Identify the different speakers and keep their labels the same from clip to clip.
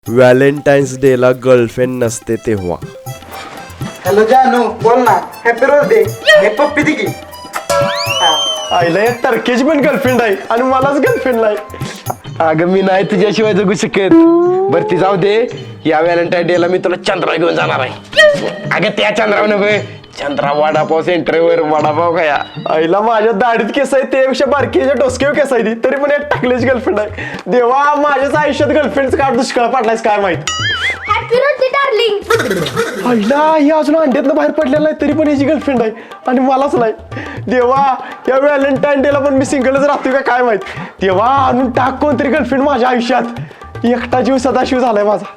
Speaker 1: Valentine's डेला girlfriend नसते तेव्हा.
Speaker 2: हॅलो जानू बोल ना. Happy birthday. हे पप्पी दिली.
Speaker 3: आईला एक तारखेची पण गर्लफ्रेंड आहे आणि मलाच गर्लफ्रेंड नाही. अगं मी नाही तुझ्याशिवाय जगू शकत. बरं ती जाऊ दे. या व्हॅलेंटाईन डेला मी तुला चंद्रा घेऊन जाणार आहे. अगं त्या चंद्रावर नव्हे, चंद्रा वडापाव सेंटरवर वडापाव खाया. आईला माझ्या दाढीत केस आहे त्यापेक्षा बारकीच्या डोसक्यावर केस आहे ती, तरी पण एक टाकल्याची गर्लफ्रेंड आहे. देवा माझ्याच आयुष्यात गर्लफ्रेंडचा काळ दुष्काळ पडलायस काय माहित.
Speaker 4: Happy birthday darling.
Speaker 3: आईला ही अजून अंड्यातनं बाहेर पडलेला नाही तरी पण याची गर्लफ्रेंड आहे आणि मलाच नाही. देवा या व्हॅलेंटाईन डेला पण मी सिंगलच राहतोय का काय माहित. देवा आणून टाक कोणतरी गर्लफ्रेंड माझ्या आयुष्यात. एकटा जीव सदाशिव झालाय माझा.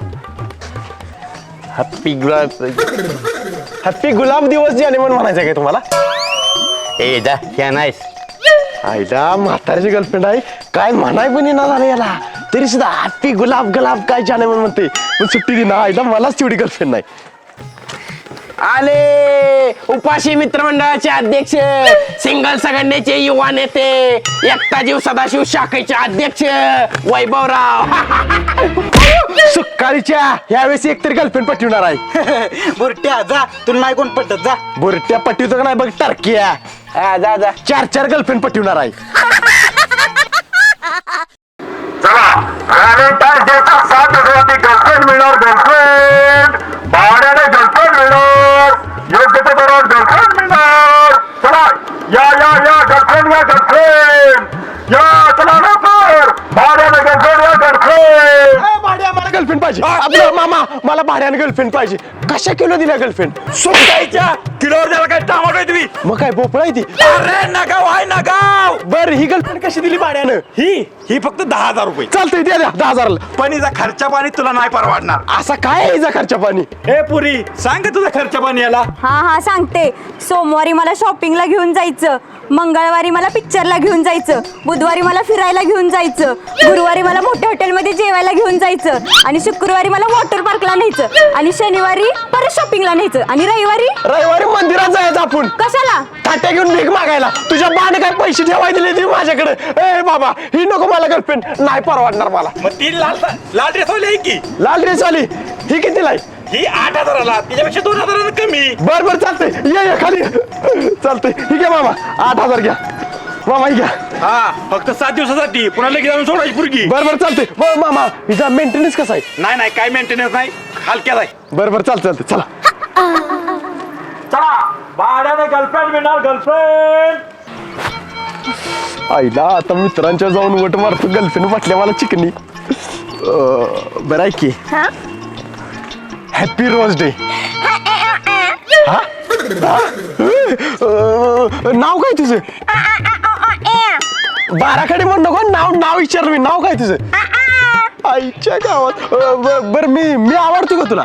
Speaker 3: हॅपी गुलाब दिवस जाने म्हणून म्हणायचं काय तुम्हाला.
Speaker 5: ए जा क्या नाहीस.
Speaker 3: आईला म्हाताऱ्याची गर्लफ्रेंड आहे काय म्हणाय पण येणार झालं याला, तरी सुद्धा हॅपी गुलाब गुलाब काय जाने म्हणून म्हणते. पण सुट्टी दिना आईला मलाच तेवढी गर्लफ्रेंड नाही. आले उपाशी मित्रमंडळाचे अध्यक्ष, सिंगल संघटनेचे युवा नेते, एकता जीव सदाशिव शाखेचे अध्यक्ष वैभवराव. सुकाळीच्या यावेळेस एकतरी गर्लफ्रेंड पटवणार आहे.
Speaker 2: बुरट्या जा. तुला नाही कोण पटत जा.
Speaker 3: बुरट्या पटवतो का नाही बघ टर्किया. जा जा 4 गर्लफ्रेंड पटवणार आहे.
Speaker 6: व्हॅलेंटाईन डेचा 7 हजाराची गर्लफ्रेंड मिळणार. गर्लफ्रेंड भाड्याने गर्लफ्रेंड मिळणार. योग्य ते दरात गर्लफ्रेंड मिळणार. चला या या या गर्लफ्रेंड या गर्लफ्रेंड या. चला लवकर भाड्याने गर्लफ्रेंड या गर्लफ्रेंड.
Speaker 3: भाड्या मला गर्लफ्रेंड पाहिजे. आपलं मामा मला भाड्याने गर्लफ्रेंड पाहिजे. कशा किलो दिल्या गर्लफ्रेंड.
Speaker 5: सुकायच्या किलोवर त्याला काय टामाटो आहे तुम्ही.
Speaker 3: मग काय भोपळा आहे ती.
Speaker 5: अरे नगाव आहे नगाव.
Speaker 3: बर ही गर्लफ्रेंड कशी दिली भाड्यानं.
Speaker 5: ही फक्त 10,000 रुपये.
Speaker 3: चालतंय द्या 10,000.
Speaker 5: पण हिचा खर्चा पाणी तुला नाही परवडणार.
Speaker 3: असा काय आहे हिचा खर्चा पाणी.
Speaker 5: ए पुरी सांग तुझा खर्चा पाणी याला.
Speaker 4: हा सांगते. सोमवारी मला शॉपिंगला घेऊन जायचं, मंगळवारी मला पिक्चरला घेऊन जायचं, बुधवारी मला फिरायला घेऊन जायचं, गुरुवारी मला मोठ्या हॉटेलमध्ये जेवायला घेऊन जायचं, आणि शुक्रवारी मला वॉटर पार्कला न्यायचं, आणि शनिवारी परत शॉपिंगला न्यायचं, आणि रविवारी
Speaker 3: मंदिरात जायचं आपण.
Speaker 4: कशाला.
Speaker 3: ताट्या घेऊन भीक मागायला. तुझ्या बाने काय पैसे ठेवाय दिले ती माझ्याकडे. ए बाबा ही नको मला गर्लफ्रेंड नाही परवडणार मला.
Speaker 5: मग ती लाल ड्रेस वाली की
Speaker 3: लाल ड्रेस वाली ही कितीला आहे.
Speaker 5: ही 8,000ला, तिच्यापेक्षा 2,000 कमी.
Speaker 3: बर चालतंय ये खाली. चालतंय ठीक आहे मामा 8,000 घ्या. मामा ही घ्या.
Speaker 5: हा फक्त 7 दिवसासाठी, पुन्हा लगेच आणून सोडायची पुरगी.
Speaker 3: बर चालतंय. बरं मामा हिचा मेंटेनन्स कसा आहे.
Speaker 5: नाही काय मेंटेनन्स नाही, हलक्यात आहे.
Speaker 3: बरं चालतंय चला.
Speaker 6: चला भाड्याने गर्लफ्रेंड मिळणार. गर्लफ्रेंड
Speaker 3: आईला आता मित्रांच्या जाऊन वट मारतो गर्लफ्रेंड म्हटल्या मला चिकनी. बरं आहे की. Happy rose day. नाव काय तुझं. बाराखडी म्हण नको. नाव विचारलं मी. नाव काय तुझं. आईच्या गावात. बर मी आवडतो का तुला.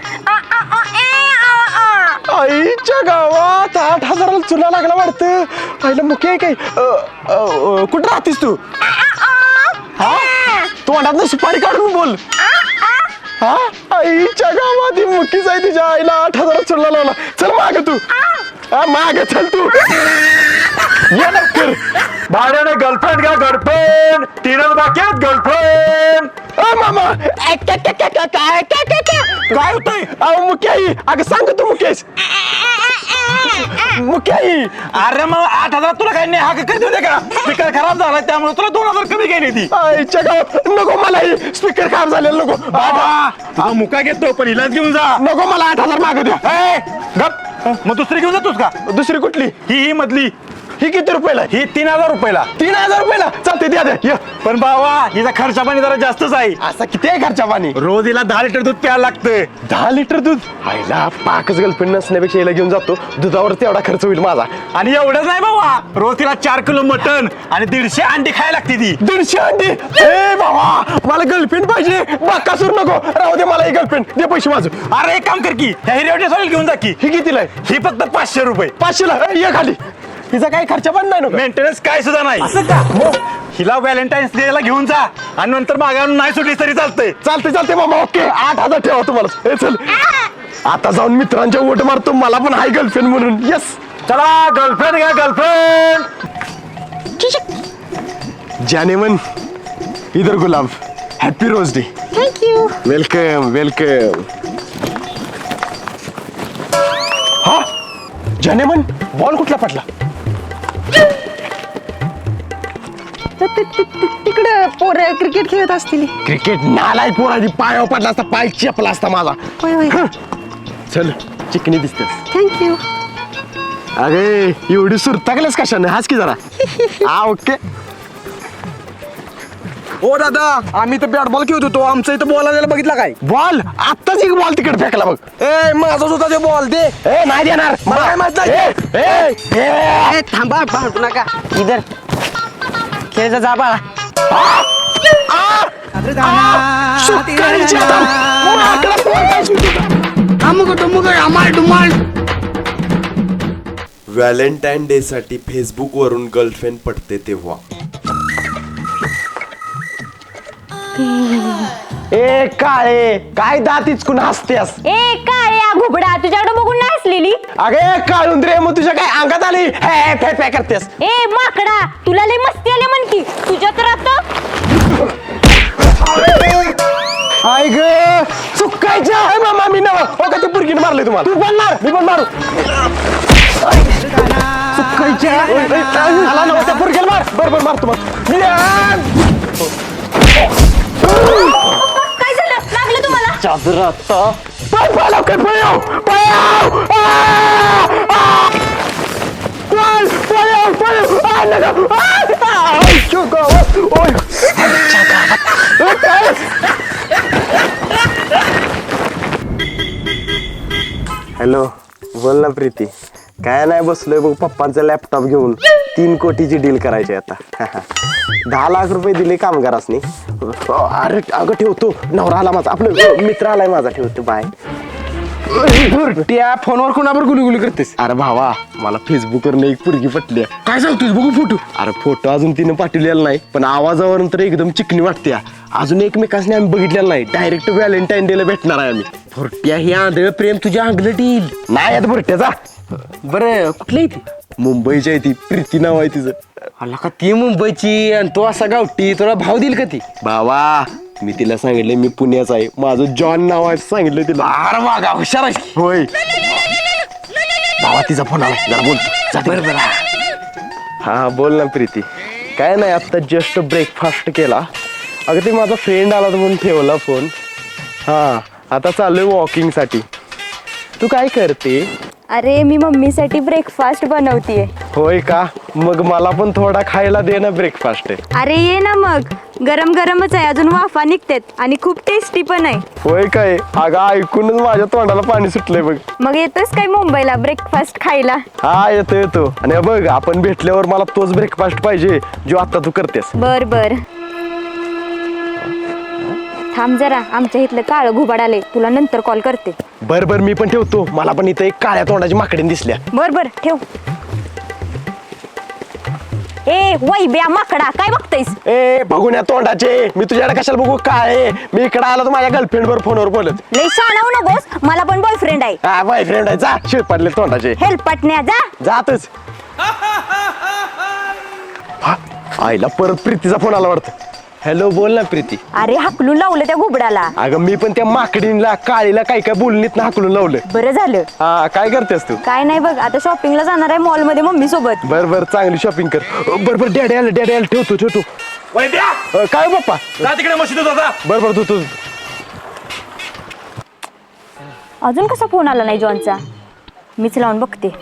Speaker 3: आईच्या गावात 8,000 चुना लागला वाटतं. आईला मुख्य आहे काय. कुठं राहतीस तू. हा तू अंडात सुपारी काढून बोल. हा आईच्या गावात ही मुकीच आहे. तिच्या आईला 8,000 चुना लावला. चल माग तू. माग चल तू. ये लवकर.
Speaker 6: भाड्याने गर्लफ्रेंड घ्या. गर्लफ्रेंड 3 बाकी आहेत. गर्लफ्रेंड
Speaker 3: मामा काय होतंय. मुख्य आई अगं सांग तू मुकेश. मुख्य आई
Speaker 5: अरे मग 8,000 तुला काही नाही हा करते होते का. स्पीकर खराब झाला त्यामुळे तुला 2,000 कमी गेली ती.
Speaker 3: आईच्या गावात नको मला ही स्पीकर खराब झालेला नको.
Speaker 5: हा मुका घेतो पण हिलाच घेऊन जा.
Speaker 3: नको मला 8,000 माग द्या.
Speaker 5: गप मग दुसरी घेऊन जातोस का.
Speaker 3: दुसरी कुठली.
Speaker 5: ही मधली.
Speaker 3: ही किती रुपयाला.
Speaker 5: ही 3,000 रुपयाला.
Speaker 3: 3,000 रुपयाला चालते द्या ये.
Speaker 5: पण बाबा हिचा खर्चा पाणी जरा जास्तच आहे.
Speaker 3: असा किती आहे खर्चा पाणी.
Speaker 5: रोज हिला 10 लिटर दूध प्यायला लागतं.
Speaker 3: 10 लिटर दूध. आईला पाकच गर्लफ्रेंड नसण्यापेक्षा याला घेऊन जातो. दुधावर तेवढा खर्च होईल माझा.
Speaker 5: आणि एवढंच नाही बाबा, रोज तिला 4 किलो मटण आणि 150 अंडी खायला लागते ती.
Speaker 3: 150 अंडी. ए बाबा मला गर्लफ्रेंड पाहिजे. बाकासूर नको राहू दे मला ही गर्लफ्रेंड दे पैसे माझं.
Speaker 5: अरे एक काम कर की ह्या हिरवटे घेऊन जा की.
Speaker 3: ही कितीला आहे.
Speaker 5: ही फक्त 500 रुपये.
Speaker 3: 500ला ये खाली. हिचा काही खर्चा पण नाही नको.
Speaker 5: मेंटेनन्स काय सुद्धा नाही.
Speaker 3: असं का.
Speaker 5: हिला व्हॅलेंटाईन्स डे ला घेऊन जा आणि नंतर मागावून नाही सुटली तरी चालतंय.
Speaker 3: चालते मामा. ओके 8,000 ठेवा तुम्हाला. हे चल आता जाऊन मित्रांच्या वोट मारतो. मला पण हाय गर्लफ्रेंड म्हणून. यस
Speaker 6: चला गर्लफ्रेंड घ्या. गर्लफ्रेंड
Speaker 3: जाने मन इधर गुलाब. Happy rose day.
Speaker 4: Thank you.
Speaker 3: Welcome welcome. हा जाने मन बॉल कुठला पडला?
Speaker 7: तिकडे पोरं क्रिकेट खेळत असतील.
Speaker 3: क्रिकेट नालाय पोराची पायावर पडला असता, पाय चेपला असता माझा.
Speaker 7: होय होय.
Speaker 3: चल चिकनी दिसतेस.
Speaker 7: थँक्यू.
Speaker 3: अगे एवढी सुरता केलंस कशाने? हाच की जरा. हा ओके.
Speaker 5: ओ दादा आम्ही तर बॅट बॉल खेळत होतो, आमचं इथं बॉल आलेला बघितला काय?
Speaker 3: बॉल आत्ताच एक बॉल तिकडे फेकला बघ.
Speaker 5: ए माझा सुद्धा ते बॉल दे.
Speaker 3: ए नाही देणार
Speaker 5: मला काय माहित नाही.
Speaker 3: ए, ए, ए.
Speaker 7: ए, थांबा भांडू नका. इधर खेळायचा जा बाळा.
Speaker 3: सुकाळीची आता माकडा पोरगा सुटला.
Speaker 1: व्हॅलेंटाईन डे साठी फेसबुक वरून गर्लफ्रेंड पटते तेव्हा.
Speaker 3: ए काळे काय दात इचकून हसतेस?
Speaker 4: ए काय या घुबडा तुझ्याकडे बघून नाही हसलेली.
Speaker 3: अगे काळून रे मग तुझ्या काय अंगात आली हे फे फे करतेस?
Speaker 4: ए माकडा तुला लय मस्ती आली म्हण की तुझ्या तर आता.
Speaker 3: आई ग चुकायचं आहे मामा मी नव हो का ते पुरगीने मारले तुम्हाला? तू पण मार मी पण मारू. चुकायच्या नव त्या पुरगीला मार. बरोबर मार तुम्हाला.
Speaker 4: काय झालं लागलं तुम्हाला?
Speaker 3: चादरात पाय पाय लवकर पळाव पळाव पळ पळाव पळाव आ नका चुका ओय हॅलो बोल ना प्रीती. काय नाही बसलोय बघ पप्पांचा लॅपटॉप घेऊन 3 कोटीची डील करायची आता. 10 लाख रुपये दिले कामगारासनी. अरे अगं ठेवतो नवरा आला माझा आपलं मित्र आलाय माझा ठेवतो बाय.
Speaker 5: त्या फोनवर कोणावर गुलगुली करतेस?
Speaker 3: अरे भावा मला फेसबुकवर एक पुरगी पटली.
Speaker 5: काय सांगतोस बघू फोटो.
Speaker 3: अरे फोटो अजून तिने पाठवलेला नाही पण आवाजावरून तर एकदम चिकनी वाटते. अजून एकमेकांनी आम्ही बघितलेलं नाही. डायरेक्ट व्हॅलेंटाईन डेला भेटणार आहे आम्ही.
Speaker 5: फुरट्या ही आंधळ प्रेम तुझ्या अंगलट येईल.
Speaker 3: नाही आता बुरट्याचा.
Speaker 5: बरं कुठली ती?
Speaker 3: मुंबईची आहे ती प्रीती नाव आहे तिचं.
Speaker 5: अला का ती मुंबईची आणि तो असा गावठी, तुला भाव देईल का ती?
Speaker 3: भावा मी तिला सांगितलं मी पुण्याचा आहे, माझं जॉन नाव आहे सांगितलं तिला.
Speaker 5: अरे वागा हुशार आहेस की.
Speaker 3: होय भावा तिचा फोन आला जरा बोलतो.
Speaker 5: बरं बरं.
Speaker 3: हा बोल ना प्रीती. काय नाही आत्ता जस्ट ब्रेकफास्ट केला. अगं ते माझा फ्रेंड आला तर म्हणून ठेवला फोन. हा आता चाललोय वॉकिंगसाठी. तू काय करते?
Speaker 4: अरे मी मम्मीसाठी ब्रेकफास्ट बनवतीये.
Speaker 3: होय का? मग मला पण थोडा खायला दे ना ब्रेकफास्ट.
Speaker 4: अरे ये ना मग गरम गरमच आहे अजून वाफा निघतात आणि खूप टेस्टी पण आहे.
Speaker 3: होय काय? अगं ऐकूनच माझ्या तोंडाला पाणी सुटलंय बघ.
Speaker 4: मग येतोस काय मुंबईला ब्रेकफास्ट खायला?
Speaker 3: हा येतो येतो. आणि बघ आपण भेटल्यावर मला तोच ब्रेकफास्ट पाहिजे जो आता तू करतेस.
Speaker 4: बर बर थांब जरा आमच्या इथलं काळं घुबाड आले तुला नंतर कॉल करते.
Speaker 3: बर बर मी पण ठेवतो. मला पण इथं एक काळ्या तोंडाची माकडीन दिसल्या.
Speaker 4: बर बर ठेव. ए वैब्या माकडा काय बघतेस?
Speaker 3: ए बघून या तोंडाचे मी तुझ्याकडे कशाला बघू काय? मी इकडे आलो तर माझ्या गर्लफ्रेंड वर फोनवर बोलत.
Speaker 4: लय शाणावू नकोस मला पण बॉयफ्रेंड आहे.
Speaker 3: हा बॉयफ्रेंड आहे जा शिरपडले तोंडाचे.
Speaker 4: हेल्प पटण्या जा.
Speaker 3: जातच. हा, आईला परत प्रीतीचा फोन आला वाटतं. हॅलो बोल ना प्रीती.
Speaker 4: अरे हाकलून लावलं त्या घुबडाला.
Speaker 3: अगं मी पण त्या माकडीला काळीला काय काय बोलणीत ना हाकलून लावलं.
Speaker 4: बरं झालं.
Speaker 3: हा काय करतेस तू?
Speaker 4: काय नाही बघ आता शॉपिंगला जाणार आहे मॉल मध्ये मम्मी सोबत.
Speaker 3: बर बर चांगली शॉपिंग कर. बर बर डॅडी आलं ठेवतो ठेवतो. काय हो पप्पा?
Speaker 5: जा तिकडे मशीद होता.
Speaker 3: बर बर तू
Speaker 4: अजून कसा फोन आला नाही जॉनचा? मीच लावून बघते.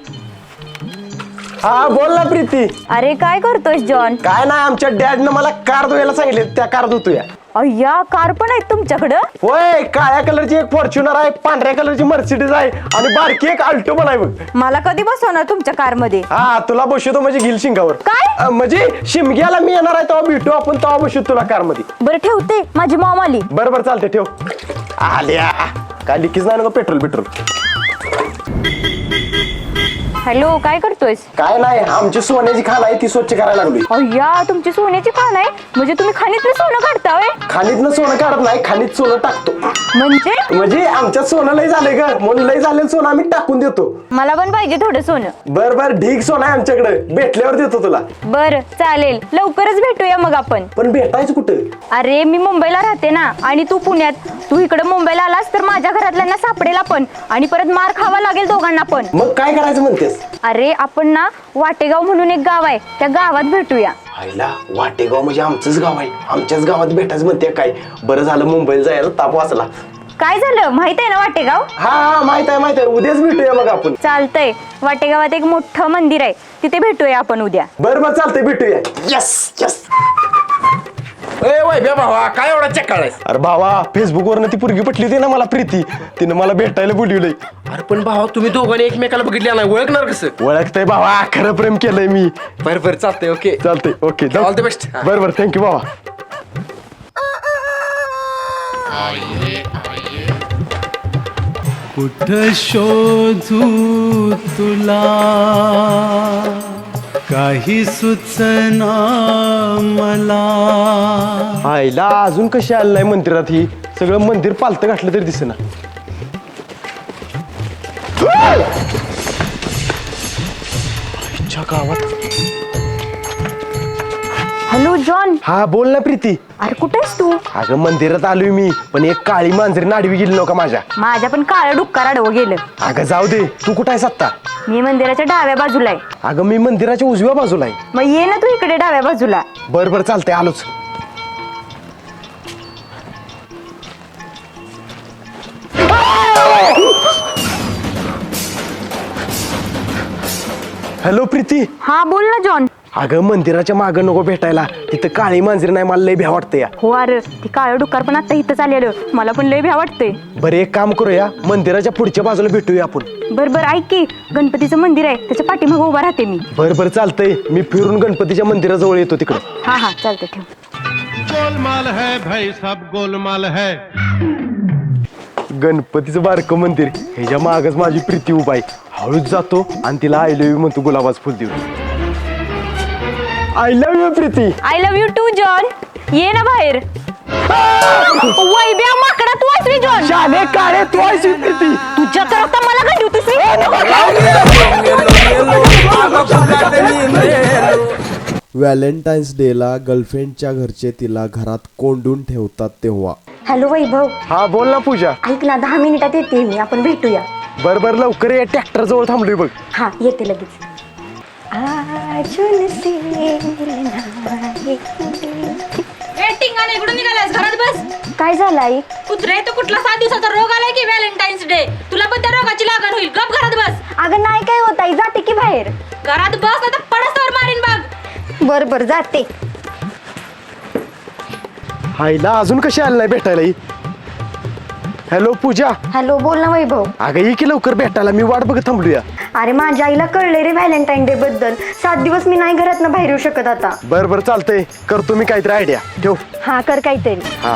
Speaker 3: हा बोल ना प्रीती.
Speaker 4: अरे काय करतोयस जॉन?
Speaker 3: काय नाही आमच्या डॅडनं मला कार धुवायला सांगितले त्या कार धुतो या.
Speaker 4: अय्या कार पण आहेत तुमच्याकडं?
Speaker 3: होय काळ्या कलरची एक फॉर्च्युनर आहे, पांढऱ्या कलरची मर्सिडीज आहे आणि बारकी एक अल्टो पण आहे बघ.
Speaker 4: मला कधी बसवणार तुमच्या कार मध्ये?
Speaker 3: हा तुला बसवतो म्हणजे घेईल शिंगावर.
Speaker 4: काय?
Speaker 3: म्हणजे शिमग्याला मी येणार आहे तेव्हा भेटू आपण तेव्हा बसू तुला कार मध्ये.
Speaker 4: बरं ठेवते माझी मॉम आली.
Speaker 3: बरं बरं चालते ठेव. आल्या काय लिकीच नाही ना पेट्रोल.
Speaker 4: हॅलो, काय करतोयस?
Speaker 3: काय नाही, आमची सोन्याची खाण आहे ती स्वच्छ करायला लागली.
Speaker 4: अय्या, तुमची सोन्याची खाण आहे म्हणजे तुम्ही खाणीतलं सोनं काढताय?
Speaker 3: खाणीतनं सोनं काढत नाही, खाणीत सोनं टाकतो. म्हणजे आमच्यात सोनं लय झालंय ग, म्हणून लय झालेलं सोनं आम्ही टाकून देतो.
Speaker 4: मला पण पाहिजे थोडं सोनं.
Speaker 3: बर बर, ढीग सोनं आहे आमच्याकडे, भेटल्यावर देतो तुला.
Speaker 4: बर चालेल, लवकरच भेटूया मग आपण.
Speaker 3: पण भेटायचं कुठं?
Speaker 4: अरे मी मुंबईला राहते ना, आणि तू पुण्यात. तू इकडे मुंबईला आलास तर माझ्या घरातल्यांना सापडेल आपण, आणि परत मार खावा लागेल दोघांना पण.
Speaker 3: मग काय करायचं म्हणतेस?
Speaker 4: अरे आपण ना वाटेगाव म्हणून एक गाव आहे, त्या गावात भेटूया.
Speaker 3: आईला, वाटेगाव म्हणजे आमचंच गाव आहे, आमच्याच गावात भेटायचं म्हणते काय? बरं झालं मुंबईला जायला ताप वाचला.
Speaker 4: काय झालं, माहित आहे ना वाटेगाव?
Speaker 3: हा माहित आहे, उद्याच भेटूया मग आपण.
Speaker 4: चालतंय, वाटेगावात एक मोठं मंदिर आहे, तिथे भेटूया आपण उद्या.
Speaker 3: बरं चालतंय, भेटूया. Yes yes.
Speaker 5: भावा काय एवढा चक्काळ आहेस?
Speaker 3: अरे भावा, फेसबुक वरनं ती पोरगी पटली होती ना मला, प्रीती, तिनं मला भेटायला बोलवलंय.
Speaker 8: अरे पण भावा, तुम्ही दोघांनी एकमेकाला बघितल्या नाही, ओळखणार कसं?
Speaker 3: ओळखतंय भावा, खरं प्रेम केलंय मी.
Speaker 8: बरं चालतंय, ओके.
Speaker 3: चालतंय, ओके,
Speaker 8: ऑल द बेस्ट.
Speaker 3: बरं थँक्यू भावा.
Speaker 9: कुठं शोधू तुला, काही सुचना मला.
Speaker 3: आईला, अजून कशी आलं नाही मंदिरात? ही सगळं मंदिर पालतं घातलं तरी दिसेना. आईच्या गावात.
Speaker 4: Hello John.
Speaker 3: हा बोल ना प्रीती.
Speaker 4: अरे कुठे आहेस तू?
Speaker 3: अगं मंदिरात आलोय मी, पण एक काळी मांजरी नाडवी गेली नव्हता
Speaker 4: माझ्या पण काळं डुक्कर आडवं गेलं.
Speaker 3: अगं जाऊ दे, तू कुठं आहेस आत्ता?
Speaker 4: मी मंदिराच्या डाव्या बाजूला आहे.
Speaker 3: अगं मी मंदिराच्या उजव्या बाजूला आहे.
Speaker 4: मग ये ना तू इकडे डाव्या बाजूला.
Speaker 3: बरं चालतंय, आलोच. हॅलो प्रीती.
Speaker 4: हा बोल ना जॉन.
Speaker 3: अगं मंदिराच्या मागं नको भेटायला, तिथं काळी मांजरी नाही, मला लय भ्या वाटतं या.
Speaker 4: हो अरे, ती काळं डुक्कर पण आता इथं आलेलं, मला पण लय भ्या वाटतंय.
Speaker 3: बरं एक काम करूया, मंदिराच्या पुढच्या बाजूला भेटूया आपण.
Speaker 4: बरं ऐक की, गणपतीचं मंदिर आहे, त्याच्या पाठीमागं उभा राहते मी.
Speaker 3: बरं चालतंय, मी फिरून गणपतीच्या मंदिराजवळ येतो तिकडं.
Speaker 4: हा चालतंय, ठेव.
Speaker 9: गोलमाल है भाई, सब गोलमाल है.
Speaker 3: गणपतीचं बारकं मंदिर, ह्याच्या मागच माझी प्रीती उभा आहे. हळूच जातो आणि तिला आय लव्ह यू म्हणतो, गुलाबाच फुल देऊन. I love you Preeti.
Speaker 4: I love you too John. ये ना बाहेर. वैब्या माकडा, तू आहेस जॉन?
Speaker 3: शाले काळे, तू आहेस प्रीती.
Speaker 4: तुझ्या तर आता मला काय देऊ
Speaker 1: व्हॅलेंटाईन्स डेला गर्लफ्रेंडच्या घरचे तिला घरात कोंडून ठेवतात तेव्हा.
Speaker 4: हॅलो वैभव.
Speaker 3: हा बोल ना पूजा.
Speaker 4: ऐक ना, 10 मिनिटात येते मी, आपण भेटूया.
Speaker 3: बरं लवकर ये, ट्रॅक्टर जवळ थांबलोय बघ.
Speaker 4: हा येते लगेच.
Speaker 10: इकडून निघालास, घरात बस.
Speaker 4: काय झालं आई?
Speaker 10: कुत्रे, तो कुठला 7 दिवसाचा रोग आलाय की व्हॅलेंटाईन्स डे? तुला पण त्या रोगाची लागण होईल. गप घरात बस.
Speaker 4: अगं नाही काय होत आई, जाते की बाहेर.
Speaker 10: घरात बस, नाही तर पडसवर मारीन बघ.
Speaker 4: बरं जाते.
Speaker 3: आईला अजून कशी आली नाही भेटायला ही? हॅलो पूजा.
Speaker 4: हॅलो, बोल ना वैभव.
Speaker 3: अगं ये की लवकर भेटायला, मी वाट बघत थांबलूया.
Speaker 4: अरे माझ्या आईला कळले रे व्हॅलेंटाईन डे बद्दल. 7 दिवस मी नाही घरात बाहेर येऊ शकत आता.
Speaker 3: बरं चालतंय, करतो मी काहीतरी आयडिया. ठेव.
Speaker 4: हा कर काहीतरी.
Speaker 3: हा.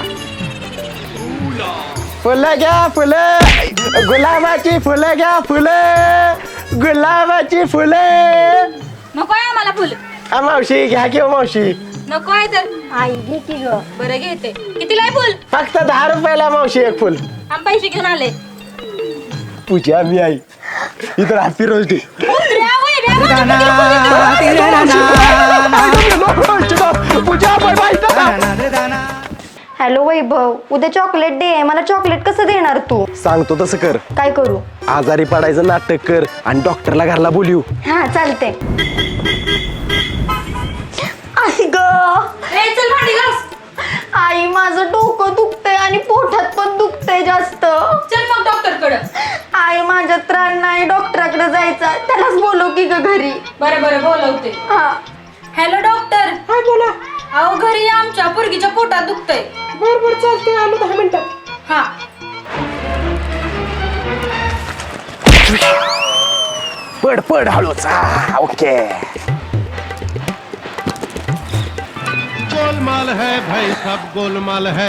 Speaker 3: फुलं घ्या फुलं, गुलाबाची फुलं घ्या फुलं, गुलाबाची फुलं.
Speaker 10: नकोय आम्हाला फुल.
Speaker 3: मावशी घ्या की मावशी.
Speaker 10: नकोय तर.
Speaker 4: आई घे की ग.
Speaker 10: बरं घेते. कितीला आहे फुल?
Speaker 3: फक्त 10 रुपयाला मावशी एक फुल.
Speaker 10: आम्ही पैसे घेऊन आले.
Speaker 3: पूजा मी आई इतर happy rose day.
Speaker 4: Hello Vaibhav, उद्या चॉकलेट डे आहे, मला चॉकलेट कसं देणार तू?
Speaker 3: सांगतो तसं कर.
Speaker 4: काय करू?
Speaker 3: आजारी पडायचं नाटक कर आणि डॉक्टरला घरला बोलू.
Speaker 4: हा चालते. आई ग,
Speaker 10: चल भांडी घास.
Speaker 4: आई माझं डोकं दुखतंय आणि पोटात पण दुखतंय जास्त.
Speaker 10: चल मग डॉक्टर कडे.
Speaker 4: आई माझ्या त्राण नाही, डॉक्टराकडे जायचं, त्यालाच बोलव की ग घरी.
Speaker 10: बरं बोलवते.
Speaker 4: हा.
Speaker 10: Hello doctor.
Speaker 2: हा बोला.
Speaker 10: अहो घरी आमच्या पोरगीच्या पोटात दुखतंय.
Speaker 2: बरं चालतंय, आलो 10 मिनिटात.
Speaker 10: हा.
Speaker 3: पड हळूच. ओके.
Speaker 9: गोलमाल है भाई, सब गोलमाल है.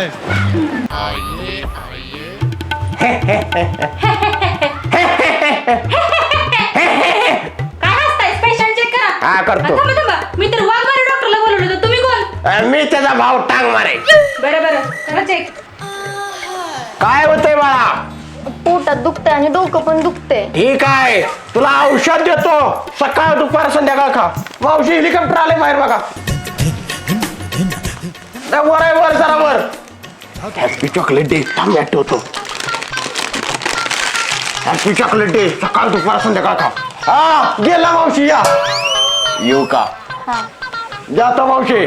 Speaker 3: हा करतो.
Speaker 10: थांबा थांबा, मी तर वाघमारे डॉक्टरला बोलवलं होतं. तुम्ही कोण?
Speaker 3: मी त्याचा भाव टांग मारे.
Speaker 10: बरं बरं, चला चेक.
Speaker 3: काय होतंय बाळा?
Speaker 4: पोटात दुखतंय आणि डोकं पण दुखतंय.
Speaker 3: ठीक आहे, तुला औषध देतो. सकाळ दुपार संध्याकाळ खा. मावशी हेलिकॉप्टर आले बाहेर बघा. वर आहे, वर जरा वर. Happy chocolate day. थांब ठेवतो. Happy chocolate day. सकाळ दुपार संध्याकाळ खा. हा गेला मावशी. या येऊ का? जातो मावशी.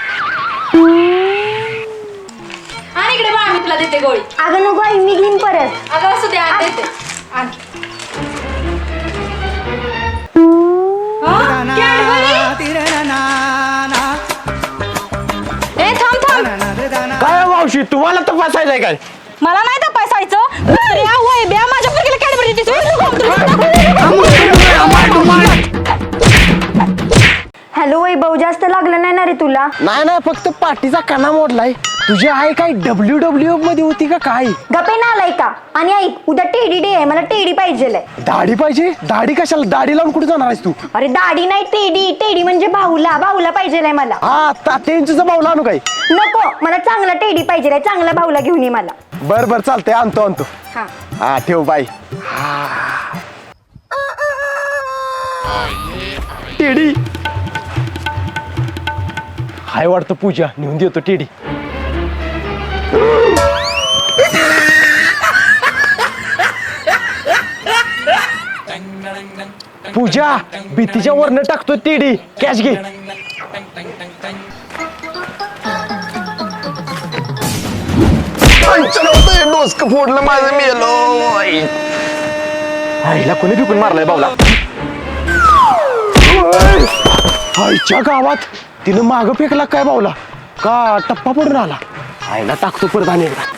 Speaker 10: आणि इकडे बाळा, मी तुला देते गोळी.
Speaker 4: अगं नको आई, मी घेईन परत.
Speaker 10: अगं असू दे, आण देते. आण. हं? कॅडबरी? ए थांब थांब,
Speaker 3: काय मावशी, तुम्हाला तपासायचंय काय?
Speaker 10: मला नाही तपासायचं. माझ्या पोरगीला कॅडबरी देतेस.
Speaker 4: हॅलो वैभव, जास्त लागलं नाही ना रे तुला?
Speaker 3: नाही नाही, फक्त पाठीचा कणा मोडलाय. तुझी आई काय WWF मध्ये होती का काय?
Speaker 4: गप्पे ना आलाय का? आणि ऐक, उद्या टेडी डे आहे, मला टेडी पाहिजे.
Speaker 3: दाढी पाहिजे? दाढी कशाला? दाढी लावून कुठे जाणार आहेस तू?
Speaker 4: अरे दाढी नाही, टेडी. टेडी म्हणजे भाऊला पाहिजे मला.
Speaker 3: हा तात्यांचा भाऊला आणू काय?
Speaker 4: नको, मला चांगला टेडी पाहिजे. चांगला भाऊला घेऊन ये मला.
Speaker 3: बर बर चालतंय, आणतो.
Speaker 4: हा.
Speaker 3: हा ठेव बाय. टेडी हाय वाटतं. पूजा नेऊन देतो टेडी. पूजा भीतीच्या वरनं टाकतो टेडी. कॅश घे. डोसकं फोडलं माझं. मेलो. आईला कोणी फिकून मारलाय बावला? आईच्या गावात तिनं मागं फेकला काय बावला? का टप्पा पडून आला? आईला टाकतो परत आणि एकदा.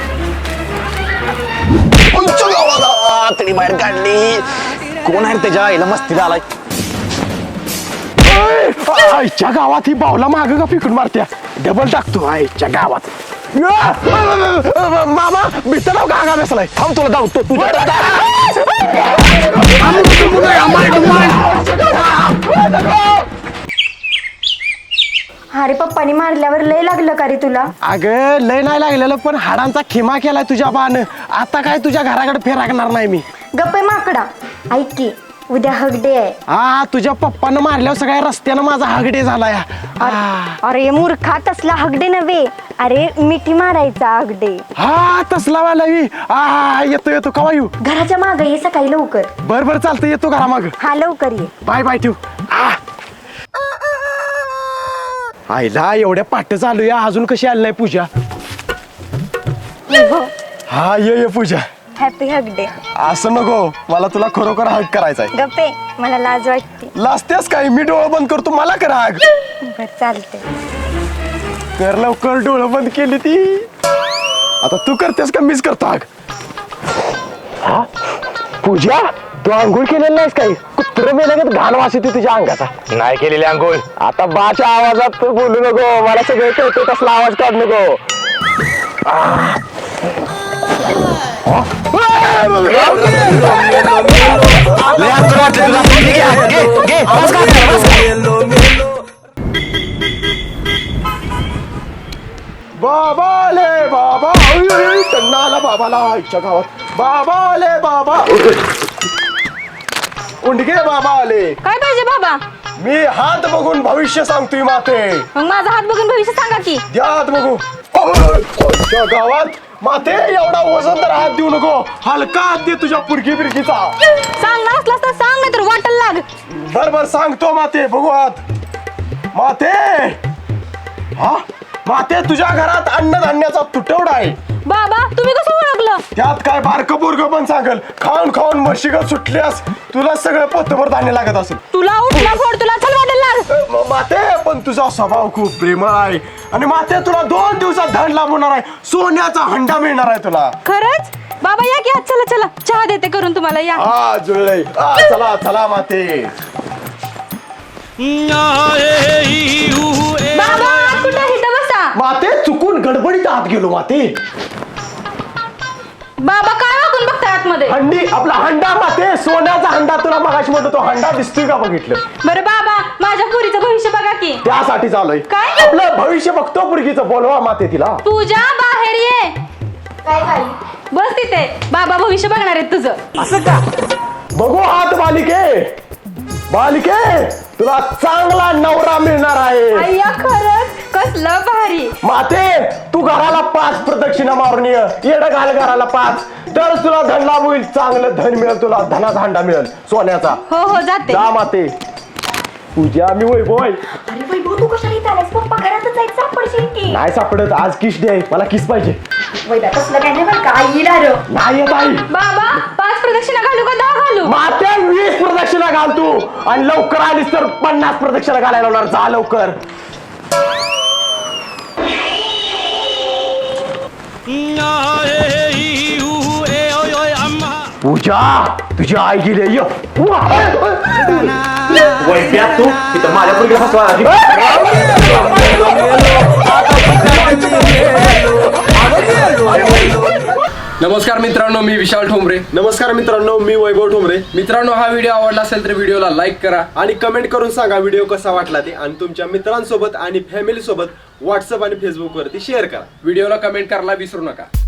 Speaker 3: तरी बाहेर काढली. कोण आहे त्याच्या आईला मस्तीला आलाय? आईच्या गावात ही बावला मागं का फेकून मारत्या? डबल टाकतो आईच्या गावात. मामा बिस्तर गागा बसलाय. थांब तुला धावतो तुझ्या.
Speaker 4: अरे पप्पानी मारल्यावर लय लागलं का रे तुला?
Speaker 3: अगं लय नाही लागलेलं, पण हाडांचा खिमा केलाय तुझ्या बानं. आता काय तुझ्या घराकडे फेराकणार नाही मी.
Speaker 4: गप्पे माकडा, ऐक की, उद्या हग डे आहे.
Speaker 3: हा तुझ्या पप्पानं मारल्यावर सगळ्या रस्त्यानं माझा हगडे झाला या.
Speaker 4: अरे मूर्खा, तसला हगडे नव्हे. अरे मिठी मारायचा हगडे.
Speaker 3: हा तसला वाला येतो कवा येऊ?
Speaker 4: घराच्या मागे ये सकाळी लवकर.
Speaker 3: बर बर चालतं, येतो घरा माग.
Speaker 4: हा लवकर ये.
Speaker 3: बाय बाय ठेव. आईला एवढ्या पाठ चालू या, अजून कशी आली नाही पूजा? हा ये पूजा.
Speaker 4: Happy hug day.
Speaker 3: असं नको, मला तुला खरोखर हग करायचाय.
Speaker 4: गप्पे, मला लाज वाटते.
Speaker 3: लाजतेस काय? मी डोळं बंद करतो, मला कर हग.
Speaker 4: बर चालते.
Speaker 3: कर लवकर. डोळं बंद केली ती. आता तू करतेस का मीच करतो हग? हा पूजा, तू आंघोळ केलेलं नाहीस काही? कुत्र मेल्यागत घाण वास येतो तुझ्या अंगाचा. नाही केलेली आंघोळ. आता बाच्या आवाजात तू बोलू नको. मला सगळं कळतं, तसला आवाज काढ नको. बाबाले बाबा. त्यांना आला बाबाला आईच्या गावात. बाबाले बाबा. उंडगे बाबा आले.
Speaker 10: काय पाहिजे बाबा?
Speaker 3: मी हात बघून भविष्य सांगतोय माते.
Speaker 10: मग माझा हात बघून भविष्य सांगा की.
Speaker 3: द्या हात बघू. आईच्या गावात माते एवढा वजन तर हात देऊ नको. हलका हात दे तुझ्या पुरकी बिरकीचा.
Speaker 10: सांगणार असलास तर सांग, नाही तर वाटल लाग.
Speaker 3: बर बर सांगतो माते. बघू हात. माते. हा माते, तुझ्या घरात अन्नधान्याचा तुटवडा आहे.
Speaker 10: बाबा तुम्ही कसं ओळखलं?
Speaker 3: त्यात काय बारकं पोरगं पण सांगल. खाऊन खाऊन म्हशीगत सुटल्यास तुला सगळं पोतभर धान्य लागत असेल.
Speaker 10: तुला उठला फोड, तुला चल वाटेल लाग.
Speaker 3: माते, पण तुझा स्वभाव खूप प्रेमळ आहे. आणि माते, तुला 2 दिवसात धन लाभणार आहे. सोन्याचा हंडा मिळणार आहे तुला.
Speaker 10: खरंच? बाबा या की, चला चला चहा देते करून तुम्हाला. या.
Speaker 3: हा जुळले. चला चला माते.
Speaker 10: बाबा कुठं इथं बसा.
Speaker 3: माते, चुकून गडबडीत आत गेलो माते.
Speaker 10: बाबा काय वागून बघताय आतमध्ये?
Speaker 3: हंडी, आपला हंडा माते. सोन्याचा हंडा. तुला मगाशी म्हणतो तो हंडा दिसतोय का? बघितलं.
Speaker 10: बरं बाबा, माझ्या पुरीचं भविष्य बघा की.
Speaker 3: त्यासाठी चालूय
Speaker 10: काय?
Speaker 3: आपलं भविष्य बघतो पुरगीचं, बोलवा माते तिला.
Speaker 10: पूजा बाहेर ये. बस तिथे, बाबा भविष्य बघणार आहेत तुझं.
Speaker 3: असं का? बघू हात बालिके, बालिके तुला चांगला नवरा मिळणार आहे.
Speaker 4: अय्या खरंच कसलं भारी.
Speaker 3: माते तू घराला 5 प्रदक्षिणा मारून येड घाल घराला 5, तर तुला धन लाभ होईल, चांगलं धन मिळेल तुला, धनाचा हांडा मिळेल सोन्याचा.
Speaker 10: हो हो जाते.
Speaker 3: जा माते. पूजा मी वैभव आहे.
Speaker 4: अरे वैभव तू कशाला इथं आलास? पप्पा घरातच जायचं सापडशील की.
Speaker 3: नाही सापडत, आज किस डे आहे, मला किस पाहिजे.
Speaker 4: वैदा तसलं काय नाही बरं का, येईल अरे.
Speaker 3: नाही येत आई.
Speaker 10: बाबा 5 प्रदक्षिणा घालू का 10 घालू?
Speaker 3: माते 20 प्रदक्षिणा घाल तू, आणि लवकर आलीस तर 50 प्रदक्षिणा घालायला होणार. जा लवकर. पूजा तुझी आई गेली. वैद्या तू इथं माझ्या पुढे फसवा.
Speaker 8: नमस्कार मित्रांनो, मी विशाल ठोंबरे.
Speaker 1: नमस्कार मित्रांनो, मी वैभव ठोंबरे.
Speaker 8: मित्रांनो, हा व्हिडिओ आवडला असेल तर व्हिडिओला लाईक करा
Speaker 1: आणि कमेंट करून सांगा व्हिडिओ कसा वाटला ते, आणि तुमच्या मित्रांसोबत आणि फॅमिली सोबत व्हॉट्सअप आणि फेसबुक वरती शेअर करा.
Speaker 8: व्हिडिओला कमेंट करायला विसरू नका.